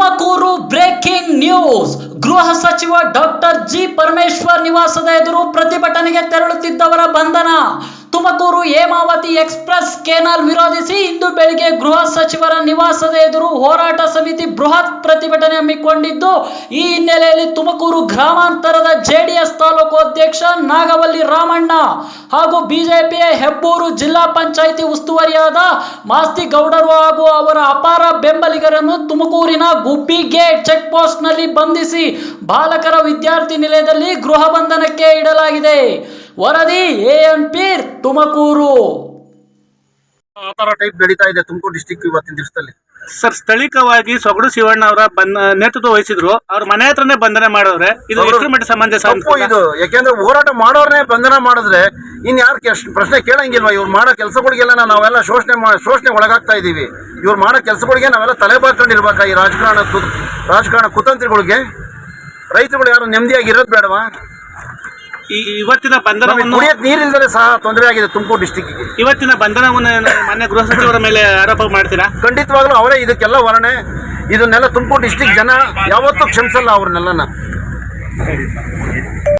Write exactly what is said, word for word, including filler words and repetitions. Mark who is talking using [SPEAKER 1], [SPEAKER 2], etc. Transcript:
[SPEAKER 1] Tumakuru breaking news. ಗೃಹ ಸಚಿವ doctor G Parameshwar ನಿವಾಸದ ಎದುರು ಪ್ರತಿಭಟನೆಗೆ ತೆರಳುತ್ತಿದ್ದವರ ಬಂಧನ. ತುಮಕೂರು ಹೇಮಾವತಿ ಎಕ್ಸ್ಪ್ರೆಸ್ ಕೆನಾಲ್ ವಿರೋಧಿಸಿ ಇಂದು ಬೆಳಿಗ್ಗೆ ಗೃಹ ಸಚಿವರ ನಿವಾಸದ ಎದುರು ಹೋರಾಟ ಸಮಿತಿ ಬೃಹತ್ ಪ್ರತಿಭಟನೆ ಹಮ್ಮಿಕೊಂಡಿದ್ದು, ಈ ಹಿನ್ನೆಲೆಯಲ್ಲಿ ತುಮಕೂರು ಗ್ರಾಮಾಂತರದ ಜೆಡಿಎಸ್ ತಾಲೂಕು ಅಧ್ಯಕ್ಷ ನಾಗವಲ್ಲಿ ರಾಮಣ್ಣ ಹಾಗೂ ಬಿಜೆಪಿಯ ಹೆಬ್ಬೂರು ಜಿಲ್ಲಾ ಪಂಚಾಯಿತಿ ಉಸ್ತುವಾರಿಯಾದ ಮಾಸ್ತಿ ಗೌಡರು ಹಾಗೂ ಅವರ ಅಪಾರ ಬೆಂಬಲಿಗರನ್ನು ತುಮಕೂರಿನ ಗುಬ್ಬಿ ಗೇಟ್ ಚೆಕ್ ಪೋಸ್ಟ್ ನಲ್ಲಿ ಬಂಧಿಸಿ ಬಾಲಕರ ವಿದ್ಯಾರ್ಥಿ ನಿಲಯದಲ್ಲಿ ಗೃಹ ಬಂಧನಕ್ಕೆ ಇಡಲಾಗಿದೆ. ವರದಿ ಎಎನ್ ಪೀರ್, ತುಮಕೂರು.
[SPEAKER 2] ಆ ತರ ಟೈಪ್ ನಡೀತಾ ಇದೆ ತುಮಕೂರು ಡಿಸ್ಟಿಕ್ ಇವತ್ತಿನ ದಿವಸದಲ್ಲಿ.
[SPEAKER 3] ಸರ್, ಸ್ಥಳೀಯವಾಗಿ ಸೊಗಡು ಶಿವಣ್ಣ ಅವರ ನೇತೃತ್ವ ವಹಿಸಿದ್ರು, ಅವ್ರ ಮನೆ ಹತ್ರನೇ ಬಂಧನ ಮಾಡವ್ರೆ. ಇದು ಎಷ್ಟು ಮಟ್ಟ ಸಮಂಜಸ
[SPEAKER 2] ಇದು? ಯಾಕೆಂದ್ರೆ ಹೋರಾಟ ಮಾಡೋರ್ನೇ ಬಂಧನ ಮಾಡಿದ್ರೆ ಇನ್ ಯಾರು ಪ್ರಶ್ನೆ ಕೇಳಂಗಿಲ್ವಾ? ಇವ್ರು ಮಾಡೋ ಕೆಲಸಗಳಿಗೆಲ್ಲ ನಾವೆಲ್ಲ ಶೋಷಣೆ ಶೋಷಣೆ ಒಳಗಾಗ್ತಾ ಇದೀವಿ. ಇವ್ರು ಮಾಡೋ ಕೆಲಸಗಳಿಗೆ ನಾವೆಲ್ಲ ತಲೆ ಬಾಕೊಂಡಿರ್ಬೇಕಾ? ಈ ರಾಜಕಾರಣ ರಾಜಕಾರಣ ಕುತಂತ್ರಿಗಳಿಗೆ ರೈತರುಗಳು ಯಾರು ನೆಮ್ಮದಿಯಾಗಿರೋದು ಬೇಡವಾ?
[SPEAKER 3] ಇವತ್ತಿನ ಬಂಧನವನ್ನು
[SPEAKER 2] ನೀರಿಲ್ಲದೆ ಸಹ ತೊಂದರೆ ಆಗಿದೆ ತುಮಕೂರು ಡಿಸ್ಟಿಕ್ಗೆ.
[SPEAKER 3] ಇವತ್ತಿನ ಬಂಧನವನ್ನು ಮಾನ್ಯ ಗೃಹ ಸಚಿವರ ಮೇಲೆ ಆರೋಪ ಮಾಡ್ತೀರಾ?
[SPEAKER 2] ಖಂಡಿತವಾಗ್ಲೂ ಅವರೇ ಇದಕ್ಕೆಲ್ಲ ಹೊರಣೆ. ಇದನ್ನೆಲ್ಲ ತುಮಕೂರು ಡಿಸ್ಟಿಕ್ ಜನ ಯಾವತ್ತೂ ಕ್ಷಮಿಸಲ್ಲ ಅವ್ರನ್ನೆಲ್ಲನ.